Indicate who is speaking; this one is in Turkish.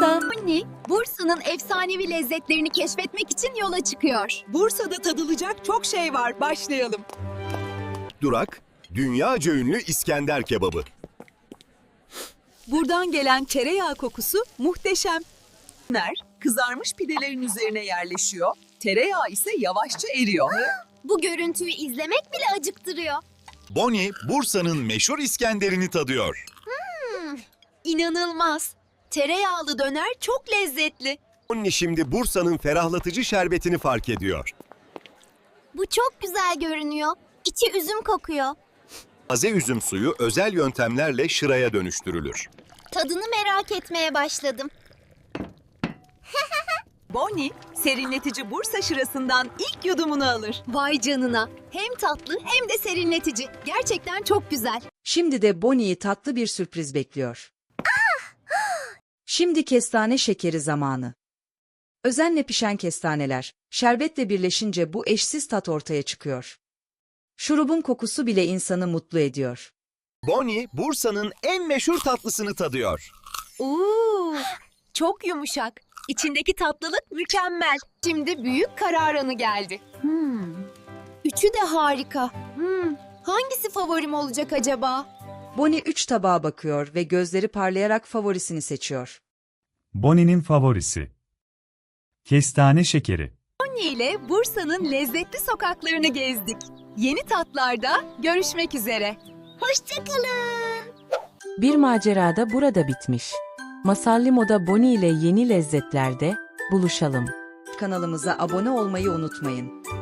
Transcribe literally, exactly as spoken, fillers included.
Speaker 1: Bursa.
Speaker 2: Bonnie, Bursa'nın efsanevi lezzetlerini keşfetmek için yola çıkıyor.
Speaker 3: Bursa'da tadılacak çok şey var. Başlayalım.
Speaker 4: Durak, dünyaca ünlü İskender kebabı.
Speaker 3: Buradan gelen tereyağı kokusu muhteşem. Kızarmış pidelerin üzerine yerleşiyor. Tereyağı ise yavaşça eriyor.
Speaker 2: Bu görüntüyü izlemek bile acıktırıyor.
Speaker 5: Bonnie, Bursa'nın meşhur İskender'ini tadıyor.
Speaker 2: İnanılmaz. Tereyağlı döner çok lezzetli.
Speaker 4: Bonnie şimdi Bursa'nın ferahlatıcı şerbetini fark ediyor.
Speaker 2: Bu çok güzel görünüyor. İçi üzüm kokuyor.
Speaker 4: Taze üzüm suyu özel yöntemlerle şıraya dönüştürülür.
Speaker 2: Tadını merak etmeye başladım.
Speaker 3: Bonnie, serinletici Bursa şırasından ilk yudumunu alır.
Speaker 2: Vay canına. Hem tatlı hem de serinletici. Gerçekten çok güzel.
Speaker 6: Şimdi de Bonnie'yi tatlı bir sürpriz bekliyor. Şimdi kestane şekeri zamanı. Özenle pişen kestaneler, şerbetle birleşince bu eşsiz tat ortaya çıkıyor. Şurubun kokusu bile insanı mutlu ediyor.
Speaker 4: Bonnie, Bursa'nın en meşhur tatlısını tadıyor.
Speaker 2: Oo, çok yumuşak. İçindeki tatlılık mükemmel. Şimdi büyük karar anı geldi. Hmm. Üçü de harika. Hmm. Hangisi favorim olacak acaba?
Speaker 6: Bonnie üç tabağa bakıyor ve gözleri parlayarak favorisini seçiyor.
Speaker 7: Bonnie'nin favorisi. Kestane şekeri.
Speaker 3: Bonnie ile Bursa'nın lezzetli sokaklarını gezdik. Yeni tatlarda görüşmek üzere.
Speaker 2: Hoşçakalın.
Speaker 1: Bir macerada burada bitmiş. Masal Limo'da Bonnie ile yeni lezzetlerde buluşalım.
Speaker 6: Kanalımıza abone olmayı unutmayın.